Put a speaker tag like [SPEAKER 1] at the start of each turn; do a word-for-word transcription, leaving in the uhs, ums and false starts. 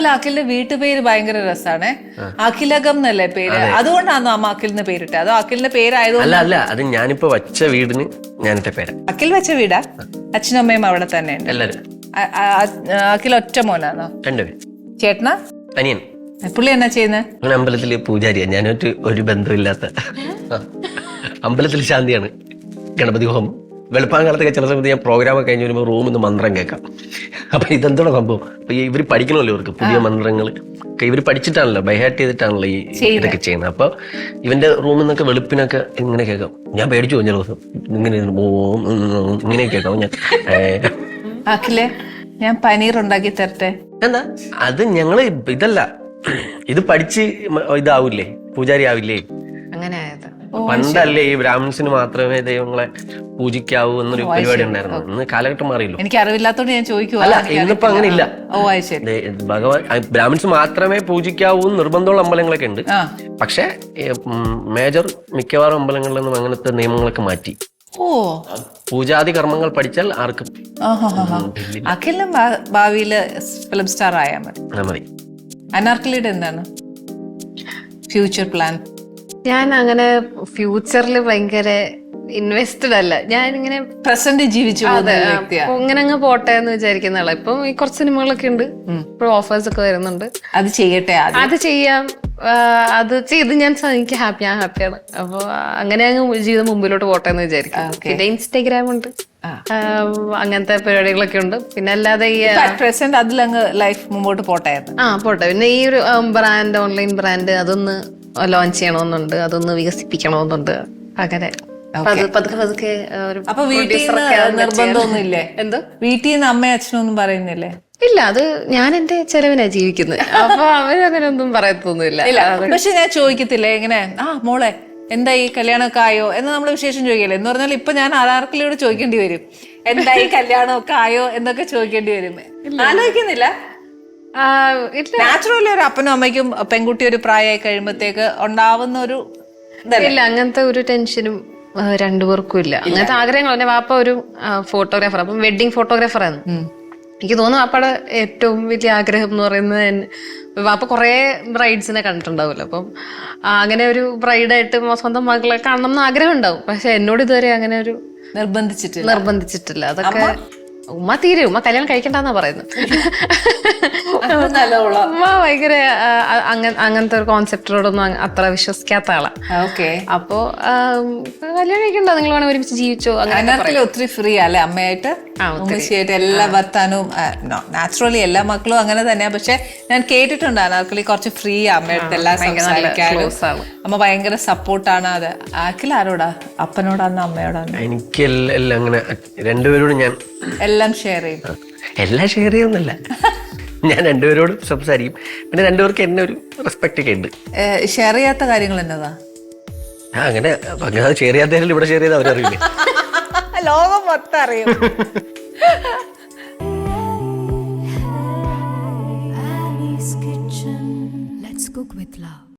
[SPEAKER 1] അഖിലിന്റെ വീട്ടുപേര് ഭയങ്കര രസാണ്. അഖിലകം എന്നല്ലേ പേര്? അതുകൊണ്ടാണോ അമ്മ അഖിലിന് പേരിട്ടെ? അതോ അഖിലിന്റെ പേരായതുകൊണ്ട്?
[SPEAKER 2] അല്ല അല്ല അത് ഞാനിപ്പോ വച്ച വീടിന് ഞാനിട്ട പേര്.
[SPEAKER 1] അഖിൽ വെച്ച വീടാ? അച്ഛനും അമ്മയും അവിടെ തന്നെ ഉണ്ട്?
[SPEAKER 2] എല്ലാരും.
[SPEAKER 1] അഖിൽ ഒറ്റ മോനാണോ?
[SPEAKER 2] രണ്ടുപേര്.
[SPEAKER 1] ചേട്ടനാ?
[SPEAKER 2] അനിയൻ.
[SPEAKER 1] പുള്ളി എന്നാ ചെയ്യുന്നത്?
[SPEAKER 2] അങ്ങനെ അമ്പലത്തില് പൂജാരിയാ. ഞാനൊരു ഒരു ബന്ധമില്ലാത്ത അമ്പലത്തിൽ ശാന്തിയാണ്. ഗണപതി ഹോമം വെളുപ്പാങ്കാലത്തൊക്കെ ചില സമയത്ത് ഞാൻ പ്രോഗ്രാം ഒക്കെ കഴിഞ്ഞ് വരുമ്പോൾ റൂമിൽ നിന്ന് മന്ത്രം കേൾക്കാം. അപ്പൊ ഇതെന്തോടെ സംഭവം? അപ്പൊ ഇവർ പഠിക്കണമല്ലോ, ഇവർക്ക് പുതിയ മന്ത്രങ്ങൾ ഇവർ പഠിച്ചിട്ടാണല്ലോ, ബൈഹാർട്ട് ചെയ്തിട്ടാണല്ലോ ഈ ഇതൊക്കെ ചെയ്യുന്നത്. അപ്പൊ ഇവന്റെ റൂമിൽ നിന്നൊക്കെ വെളുപ്പിനൊക്കെ ഇങ്ങനെ കേൾക്കാം. ഞാൻ പേടിച്ചു പോയി ചില ദിവസം. ഇങ്ങനെ ഓം ഇങ്ങനെ കേൾക്കാം. ഞാൻ
[SPEAKER 1] അഖിലേ, ഞാൻ പനീർ ഉണ്ടാക്കി തരട്ടെ?
[SPEAKER 2] എന്താ അത്? ഞങ്ങള് ഇതല്ല, ഇത് പഠിച്ച് ഇതാവൂലേ, പൂജാരി ആവില്ലേ?
[SPEAKER 1] അങ്ങനെ ആയത്
[SPEAKER 2] പണ്ടല്ലേ ഈ ബ്രാഹ്മിൻസിന് മാത്രമേ ദൈവങ്ങളെ പൂജിക്കാവൂ എന്നൊരു പരിപാടി ഉണ്ടായിരുന്നു. ഇന്ന് കാലഘട്ടം മാറിയല്ലോ.
[SPEAKER 1] എനിക്ക് അറിവില്ലാത്തോണ്ട് ഞാൻ ചോദിക്കുവാ.
[SPEAKER 2] അല്ല, ഇന്നിപ്പോ അങ്ങനെ ഇല്ല.
[SPEAKER 1] ഓ ശരി.
[SPEAKER 2] ഭഗവാൻ ബ്രാഹ്മിൻസ് മാത്രമേ പൂജിക്കാവൂ നിർബന്ധമുള്ള അമ്പലങ്ങളൊക്കെ ഉണ്ട്. പക്ഷെ മേജർ മിക്കവാറും അമ്പലങ്ങളിൽ നിന്നും അങ്ങനത്തെ നിയമങ്ങളൊക്കെ മാറ്റി.
[SPEAKER 1] ഓ,
[SPEAKER 2] പൂജാതി കർമ്മങ്ങൾ പഠിച്ചാൽ ആർക്കും.
[SPEAKER 1] അഖിലും ഭാവിയില് ഫിലിം സ്റ്റാർ ആയാൽ മതി.
[SPEAKER 2] മതി.
[SPEAKER 1] അനാർക്കലിയുടെ എന്താണ് ഫ്യൂച്ചർ പ്ലാൻ?
[SPEAKER 3] ഞാൻ അങ്ങനെ ഫ്യൂച്ചറിൽ ഭയങ്കര ഇൻവെസ്റ്റഡ് അല്ല. ഞാൻ ഇങ്ങനെ
[SPEAKER 1] പ്രസന്റ് ജീവിച്ചു
[SPEAKER 3] ഇങ്ങനെ അങ്ങ് പോട്ടെ എന്ന് വിചാരിക്കുന്ന ആളാ. ഇപ്പം ഈ കുറച്ച് സിനിമകളൊക്കെ ഉണ്ട്, ഇപ്പോൾ ഓഫേഴ്സ് ഒക്കെ വരുന്നുണ്ട്.
[SPEAKER 1] അത് ചെയ്യട്ടെ,
[SPEAKER 3] അത് ചെയ്യാം. അത് ചെയ്ത് ഞാൻ എനിക്ക് ഹാപ്പി ഞാൻ ഹാപ്പിയാണ്. അപ്പൊ അങ്ങനെ അങ്ങ് ജീവിതം മുമ്പിലോട്ട് പോട്ടെ എന്ന് വിചാരിക്കും. പിന്നെ ഇൻസ്റ്റാഗ്രാം ഉണ്ട്, അങ്ങനത്തെ പരിപാടികളൊക്കെ ഉണ്ട്. പിന്നെ അല്ലാതെ ഈ
[SPEAKER 1] പ്രസന്റ് അതിലങ്ങ് ലൈഫ് മുമ്പോട്ട് പോട്ടെ.
[SPEAKER 3] ആ പോട്ടെ. പിന്നെ ഈ ഒരു ബ്രാൻഡ്, ഓൺലൈൻ ബ്രാൻഡ് അതൊന്ന് ലോഞ്ച് ചെയ്യണമെന്നുണ്ട്, അതൊന്ന് വികസിപ്പിക്കണമെന്നുണ്ട്. അങ്ങനെ പതുക്കെ പതുക്കെ.
[SPEAKER 1] അപ്പൊ വീട്ടിൽ നിർബന്ധമൊന്നുമില്ലേ? എന്തോ വീട്ടിൽ നിന്ന് അമ്മയും അച്ഛനും ഒന്നും പറയുന്നില്ലേ?
[SPEAKER 3] ഇല്ല, അത് ഞാൻ എന്റെ ചെലവിനാ ജീവിക്കുന്നത്. അപ്പൊ അവരങ്ങനെ ഒന്നും പറയത്തൊന്നുമില്ല.
[SPEAKER 1] പക്ഷെ ഞാൻ ചോദിക്കത്തില്ലേ ഇങ്ങനെ, ആ മോളെ എന്താ ഈ കല്യാണമൊക്കെ ആയോ എന്ന് നമ്മള് വിശേഷം ചോദിക്കല്ലേ? എന്ന് പറഞ്ഞാൽ ഇപ്പൊ ഞാൻ ആരാർക്കിലോട് ചോദിക്കേണ്ടി വരും, എന്താ ഈ കല്യാണമൊക്കെ ആയോ എന്നൊക്കെ ചോദിക്കേണ്ടി വരും. ആലോചിക്കുന്നില്ല? നാച്ചുറലി ഒരു അപ്പനും അമ്മയ്ക്കും പെൺകുട്ടി ഒരു പ്രായമായി കഴിയുമ്പോഴത്തേക്ക് ഉണ്ടാവുന്ന ഒരു
[SPEAKER 3] ഇല്ല, അങ്ങനത്തെ ഒരു ടെൻഷനും രണ്ടുപേർക്കും ഇല്ല. അങ്ങനത്തെ ആഗ്രഹങ്ങൾ. എന്റെ വാപ്പ ഒരു ഫോട്ടോഗ്രാഫർ, അപ്പം വെഡിങ് ഫോട്ടോഗ്രാഫറാണ്. എനിക്ക് തോന്നുന്നു വാപ്പയുടെ ഏറ്റവും വലിയ ആഗ്രഹം എന്ന് പറയുന്നത്, വാപ്പ കുറെ ബ്രൈഡ്സിനെ കണ്ടിട്ടുണ്ടാവുമല്ലോ. അപ്പം അങ്ങനെ ഒരു ബ്രൈഡായിട്ട് സ്വന്തം മകളെ കാണണം എന്ന് ആഗ്രഹം ഉണ്ടാവും. പക്ഷെ എന്നോട് ഇതുവരെ അങ്ങനെ ഒരു
[SPEAKER 1] നിർബന്ധിച്ചിട്ടില്ല
[SPEAKER 3] നിർബന്ധിച്ചിട്ടില്ല അതൊക്കെ ഉമ്മ തീരെ ഉമ്മ കല്യാണം കഴിക്കണ്ടെന്നാ പറയുന്നത്. ഉമ്മ ഭയങ്കര അങ്ങനത്തെ ഒരു കോൺസെപ്റ്റിനോടൊന്നും അത്ര വിശ്വസിക്കാത്ത ആളാ. അപ്പോ കല്യാണം കഴിക്കണ്ട, നിങ്ങൾ വേണം ഒരുമിച്ച് ജീവിച്ചോ.
[SPEAKER 1] അങ്ങനെ ഒത്തിരി ഫ്രീ അല്ലേ അമ്മയായിട്ട്, ഉമ്മച്ചിയായിട്ട് എല്ലാ വർത്താനവും. നാച്ചുറലി എല്ലാ മക്കളും അങ്ങനെ തന്നെയാ. പക്ഷെ ഞാൻ കേട്ടിട്ടുണ്ട് അനാർക്കലി കുറച്ച് ഫ്രീ അമ്മയടുത്ത് എല്ലാം സംസാരിക്കാനും. അമ്മ ഭയങ്കര സപ്പോർട്ടാണ്. അത് ആക്കിൽ ആരോടാ, അപ്പനോടാന്നോ അമ്മയോടാന്നോ?
[SPEAKER 2] എനിക്ക് എല്ലാം അങ്ങനെ രണ്ടുപേരോടും ഞാൻ
[SPEAKER 1] എല്ലാം ഷെയർ ചെയ്യും.
[SPEAKER 2] എല്ലാം ഷെയർ ചെയ്യുന്നില്ല, ഞാൻ രണ്ടുപേരോടും സംസാരിക്കും. പിന്നെ രണ്ടുപേർക്ക് എന്നെ ഒരു റെസ്പെക്ട് ഒക്കെ ഉണ്ട്.
[SPEAKER 1] ഷെയർ ചെയ്യാത്ത കാര്യങ്ങൾ എന്നതാ?
[SPEAKER 2] അങ്ങനെ ഷെയർ ചെയ്യാത്ത ഇവിടെ ഷെയർ ചെയ്ത് അവരറിയില്ലേ?
[SPEAKER 1] ലോകം മൊത്തം അറിയും.
[SPEAKER 4] Annie's Kitchen. Let's cook with love.